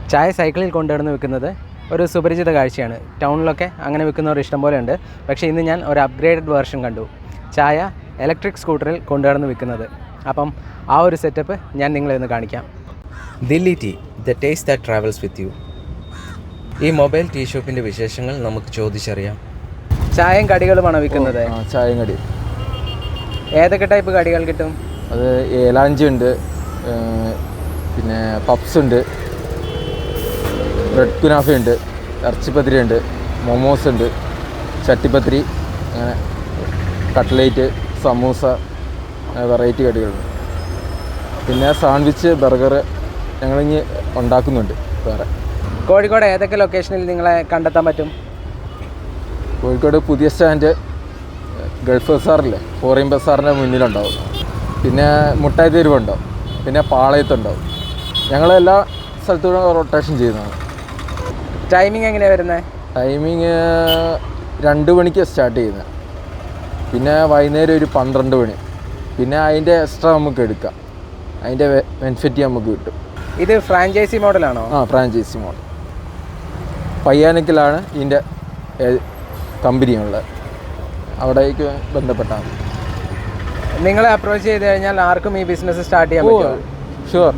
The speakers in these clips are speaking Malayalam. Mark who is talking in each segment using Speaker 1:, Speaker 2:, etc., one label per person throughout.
Speaker 1: ചായ സൈക്കിളിൽ കൊണ്ടുവന്ന് വിൽക്കുന്നത് ഒരു സുപരിചിത കാഴ്ചയാണ്. ടൗണിലൊക്കെ അങ്ങനെ വിൽക്കുന്നവർ ഇഷ്ടം പോലെ ഉണ്ട്. പക്ഷേ ഇന്ന് ഞാൻ ഒരു അപ്ഗ്രേഡഡ് വേർഷൻ കണ്ടു, ചായ ഇലക്ട്രിക് സ്കൂട്ടറിൽ കൊണ്ടുവന്ന് വിൽക്കുന്നത്. അപ്പം ആ ഒരു സെറ്റപ്പ് ഞാൻ നിങ്ങളെ ഒന്ന് കാണിക്കാം. Delhi tea, the taste that travels with you. ഈ മൊബൈൽ ടീ ഷോപ്പിൻ്റെ വിശേഷങ്ങൾ നമുക്ക് ചോദിച്ചറിയാം. ചായയും കടികളുമാണോ വിൽക്കുന്നത്?
Speaker 2: ചായയും കടി.
Speaker 1: ഏതൊക്കെ ടൈപ്പ് കടികൾ കിട്ടും?
Speaker 2: അത് ഏലാഞ്ചി ഉണ്ട്, പിന്നെ പപ്സ് ഉണ്ട്, ബ്രെഡ് കുനാഫ ഉണ്ട്, ഇറച്ചിപ്പത്തിരി ഉണ്ട്, മൊമോസ് ഉണ്ട്, ചട്ടിപ്പത്തിരി, അങ്ങനെ കട്ട്ലേറ്റ്, സമൂസ, വെറൈറ്റി കടികളുണ്ട്. പിന്നെ സാൻഡ്വിച്ച്, ബർഗർ ഞങ്ങളിങ്ങ് ഉണ്ടാക്കുന്നുണ്ട് വേറെ.
Speaker 1: കോഴിക്കോട് ഏതൊക്കെ ലൊക്കേഷനിൽ നിങ്ങളെ കണ്ടെത്താൻ പറ്റും?
Speaker 2: കോഴിക്കോട് പുതിയ സ്റ്റാൻഡ്, ഗൾഫ് ബസാറില്ലേ, ഫോറിൻ ബസാറിൻ്റെ മുന്നിലുണ്ടാവും. പിന്നെ മുട്ടായി തെരുവുണ്ടാവും, പിന്നെ പാളയത്തുണ്ടാവും. ഞങ്ങളെല്ലാ സ്ഥലത്തൂടെ റൊട്ടേഷൻ ചെയ്യുന്നതാണ്.
Speaker 1: ടൈമിംഗ് എങ്ങനെയാണ് വരുന്നത്?
Speaker 2: ടൈമിങ് 2 മണിക്ക് സ്റ്റാർട്ട് ചെയ്യുന്നത്, പിന്നെ വൈകുന്നേരം ഒരു 12 മണി. പിന്നെ അതിൻ്റെ എക്സ്ട്രാ നമുക്ക് എടുക്കാം, അതിൻ്റെ ബെനിഫിറ്റ് നമുക്ക് കിട്ടും.
Speaker 1: ഇത് ഫ്രാഞ്ചൈസി മോഡലാണോ?
Speaker 2: Franchise model. പയ്യാനക്കിലാണ് ഇതിൻ്റെ കമ്പനിയുള്ളത്, അവിടേക്ക് ബന്ധപ്പെട്ടാൽ മതി.
Speaker 1: നിങ്ങളെ അപ്രോച്ച് ചെയ്ത് കഴിഞ്ഞാൽ ആർക്കും ഈ ബിസിനസ് സ്റ്റാർട്ട് ചെയ്യാൻ പറ്റുമോ?
Speaker 2: ഷുവർ.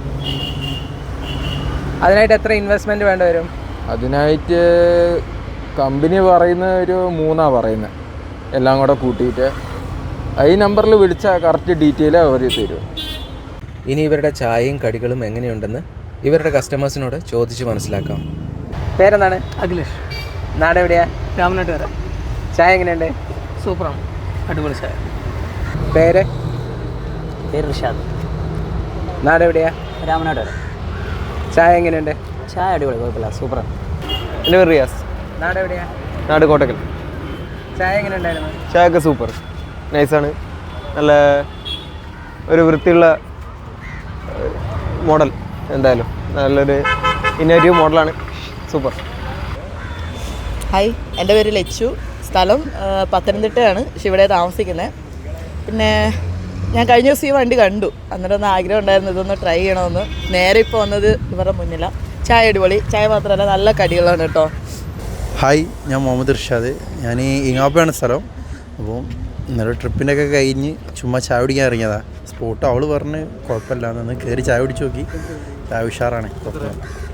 Speaker 1: അതിനായിട്ട് എത്ര ഇൻവെസ്റ്റ്മെൻറ്റ് വേണ്ടി വരും?
Speaker 2: അതിനായിട്ട് കമ്പനി പറയുന്നത് ഒരു 3 പറയുന്നത്, എല്ലാം കൂടെ കൂട്ടിയിട്ട്. ഈ നമ്പറിൽ വിളിച്ചാൽ കറക്റ്റ് ഡീറ്റെയിൽ അവർ തരും.
Speaker 1: ഇനി ഇവരുടെ ചായയും കടികളും എങ്ങനെയുണ്ടെന്ന് ഇവരുടെ കസ്റ്റമേഴ്സിനോട് ചോദിച്ച് മനസ്സിലാക്കാം. പേരെന്താണ്?
Speaker 3: അഖിലേഷ്.
Speaker 1: നാട് എവിടെയാ?
Speaker 3: രാമനാട്ടുകര.
Speaker 1: ചായ എങ്ങനെയുണ്ട്?
Speaker 3: സൂപ്പറാണ്, അടിപൊളി ചായ.
Speaker 1: പേര്?
Speaker 3: റിഷാദ്.
Speaker 1: നാട് എവിടെയാ?
Speaker 3: രാമനാട്ടുകര.
Speaker 1: ചായ എങ്ങനെയുണ്ട്?
Speaker 3: ചായ അടിപൊളി, കുഴപ്പമില്ല, സൂപ്പറാണ്.
Speaker 4: എൻ്റെ പേര് റിയാസ്.
Speaker 1: നാട് എവിടെയാ?
Speaker 4: നാട് കോട്ടക്കൽ.
Speaker 1: ചായ എങ്ങനെ ഉണ്ടായിരുന്നു?
Speaker 4: ചായയൊക്കെ സൂപ്പർ, നൈസാണ്. നല്ല ഒരു വൃത്തിയുള്ള മോഡൽ, എന്തായാലും നല്ലൊരു ഇന്നോവേറ്റീവ് മോഡലാണ്, സൂപ്പർ.
Speaker 5: ഹായ്, എൻ്റെ പേര് ലച്ചു. സ്ഥലം പത്തനംതിട്ടയാണ്, പക്ഷെ ഇവിടെ താമസിക്കുന്നത്. പിന്നെ ഞാൻ കഴിഞ്ഞ ദിവസം ഈ വണ്ടി കണ്ടു, അന്നേരം ഒന്ന് ആഗ്രഹം ഉണ്ടായിരുന്നു ഇതൊന്ന് ട്രൈ ചെയ്യണമെന്ന്. നേരെ ഇപ്പോൾ വന്നത് ഇവരുടെ മുന്നിലാണ്. ചായ അടിപൊളി, ചായ മാത്രമല്ല നല്ല കടികളാണ് കേട്ടോ.
Speaker 6: ഹായ്, ഞാൻ മുഹമ്മദ് ഇർഷാദ്. ഞാൻ ഇങ്ങാപ്പയാണ് സ്ഥലം. അപ്പോൾ ഇന്നലെ ട്രിപ്പിൻ്റെ ഒക്കെ കഴിഞ്ഞ് ചുമ്മാ ചായ കുടിക്കാൻ ഇറങ്ങിയതാണ്. സ്പോട്ട് അവൾ പറഞ്ഞ് കുഴപ്പമില്ല എന്ന് കയറി ചായ കുടിച്ച് നോക്കി. ചായ ഉഷാറാണ്, കുഴപ്പമില്ല.